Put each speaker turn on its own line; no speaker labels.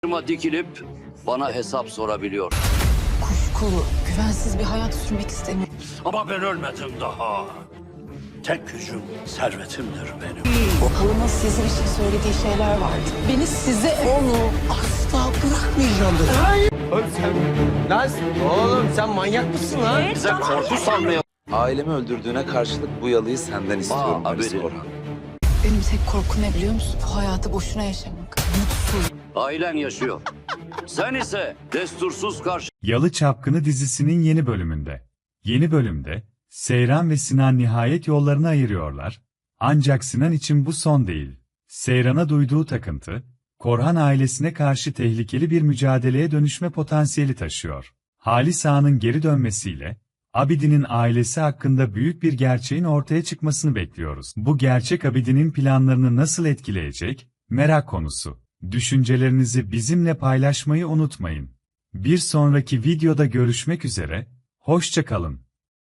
dikilip bana hesap sorabiliyor.
Kuşkulu, güvensiz bir hayat sürmek istemiyorum.
Ama ben ölmedim daha. Tek gücüm servetimdir benim.
Halımın size bir şey söylediği şeyler vardı. Beni size...
Onu asla bırakmayacağım dedi. Oğlum sen manyak mısın lan?
Bize korku salmaya...
Ailemi öldürdüğüne karşılık bu yalıyı senden istiyorum
abi.
Halis Orhan.
Benim tek korkum ne biliyor musun? Bu hayatı boşuna yaşamak. Mutsuz.
Ailen yaşıyor. Sen ise destursuz karşı...
Yalı Çapkını dizisinin yeni bölümünde. Yeni bölümde, Seyran ve Sinan nihayet yollarını ayırıyorlar. Ancak Sinan için bu son değil. Seyran'a duyduğu takıntı, Korhan ailesine karşı tehlikeli bir mücadeleye dönüşme potansiyeli taşıyor. Halis Ağa'nın geri dönmesiyle, Abidin'in ailesi hakkında büyük bir gerçeğin ortaya çıkmasını bekliyoruz. Bu gerçek Abidin'in planlarını nasıl etkileyecek? Merak konusu. Düşüncelerinizi bizimle paylaşmayı unutmayın. Bir sonraki videoda görüşmek üzere, hoşça kalın.